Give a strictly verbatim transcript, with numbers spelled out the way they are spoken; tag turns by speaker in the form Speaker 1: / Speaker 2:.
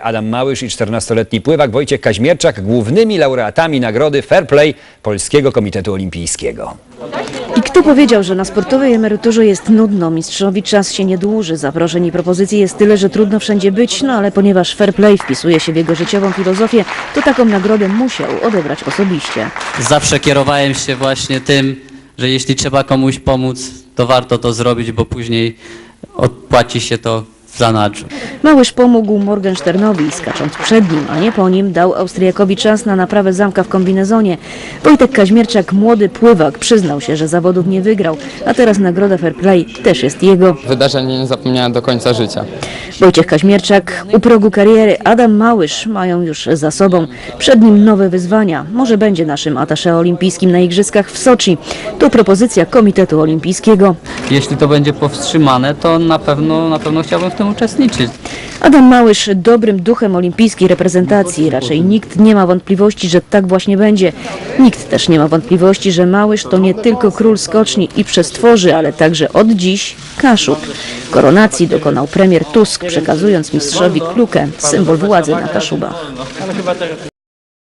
Speaker 1: Adam Małysz i czternastoletni pływak Wojciech Kaźmierczak głównymi laureatami nagrody Fair Play Polskiego Komitetu Olimpijskiego.
Speaker 2: I kto powiedział, że na sportowej emeryturze jest nudno? Mistrzowi czas się nie dłuży. Zaproszeń i propozycji jest tyle, że trudno wszędzie być, no ale ponieważ fair play wpisuje się w jego życiową filozofię, to taką nagrodę musiał odebrać osobiście.
Speaker 3: Zawsze kierowałem się właśnie tym, że jeśli trzeba komuś pomóc, to warto to zrobić, bo później odpłaci się to w zanadrzu.
Speaker 2: Małysz pomógł Morgensternowi, skacząc przed nim, a nie po nim, dał Austriakowi czas na naprawę zamka w kombinezonie. Wojtek Kaźmierczak, młody pływak, przyznał się, że zawodów nie wygrał, a teraz nagroda Fair Play też jest jego.
Speaker 4: Wydarzenie nie zapomniałem do końca życia.
Speaker 2: Wojciech Kaźmierczak u progu kariery, Adam Małysz mają już za sobą. Przed nim nowe wyzwania. Może będzie naszym attaché olimpijskim na Igrzyskach w Soczi. To propozycja Komitetu Olimpijskiego.
Speaker 3: Jeśli to będzie powstrzymane, to na pewno, na pewno chciałbym w tym uczestniczyć.
Speaker 2: Adam Małysz dobrym duchem olimpijskiej reprezentacji. Raczej nikt nie ma wątpliwości, że tak właśnie będzie. Nikt też nie ma wątpliwości, że Małysz to nie tylko król skoczni i przestworzy, ale także od dziś Kaszub. Koronacji dokonał premier Tusk, przekazując mistrzowi klukę, symbol władzy na Kaszubach.